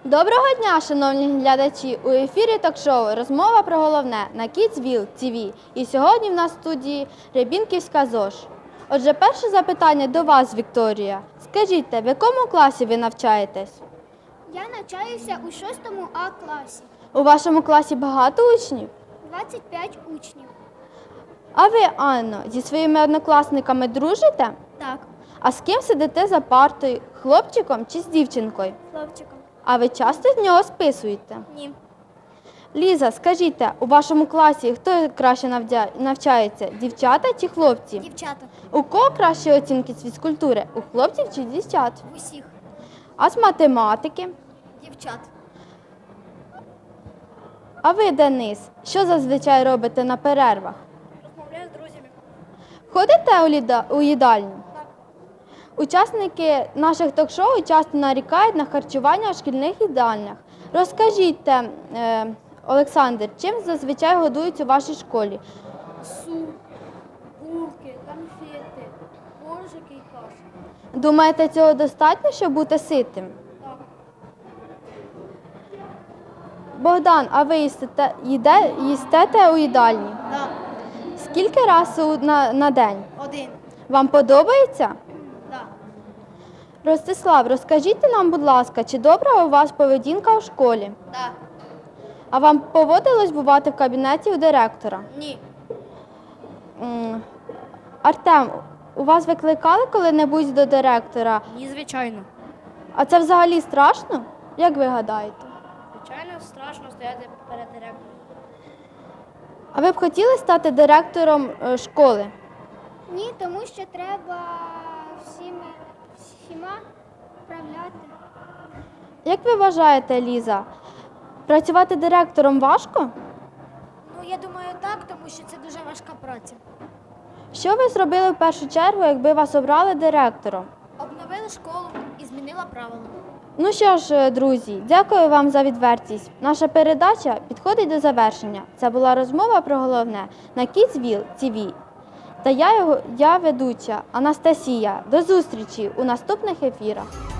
Доброго дня, шановні глядачі! У ефірі ток-шоу «Розмова про головне» на Kidsville TV. І сьогодні в нас в студії Рябінківська ЗОЖ. Отже, перше запитання до вас, Вікторія. Скажіть, в якому класі ви навчаєтесь? Я навчаюся у 6 А класі. У вашому класі багато учнів? 25 учнів. А ви, Анно, зі своїми однокласниками дружите? Так, А з ким сидите за партою? Хлопчиком чи з дівчинкою? хлопчиком. А ви часто з нього списуєте? Ні. Ліза, скажіть, у вашому класі хто краще навчається? Дівчата чи хлопці? Дівчата. У кого кращі оцінки з фізкультури? У хлопців чи дівчат? В усіх. А з математики? Дівчат. А ви, Денис, що зазвичай робите на перервах? Розмовляю з друзями. Ходите у їдальню? Так. Учасники наших ток-шоу часто нарікають на харчування у шкільних їдальнях. Розкажіть, Олександр, чим зазвичай годують у вашій школі? Суп, булки, конфети, коржики і каша. Думаєте, цього достатньо, щоб бути ситим? Так. Богдан, а ви їстете у їдальні? Так. Скільки разів на день? 1. Вам подобається? Так. Ростислав, розкажіть нам, будь ласка, чи добра у вас поведінка у школі? Так. А вам поводилось бувати в кабінеті у директора? Ні. Артем, у вас викликали коли-небудь до директора? Ні, звичайно. А це взагалі страшно? Як ви гадаєте? Звичайно, страшно стояти перед директором. А ви б хотіли стати директором школи? Ні, тому що треба всіма управляти. Як ви вважаєте, Ліза, працювати директором важко? Ну, я думаю, так, тому що це дуже важка праця. Що ви зробили в першу чергу, якби вас обрали директором? Обновили школу і змінила правила. Ну що ж, друзі, дякую вам за відвертість. Наша передача підходить до завершення. Це була розмова про головне на Kidsville TV. Та я ведуча Анастасія. До зустрічі у наступних ефірах.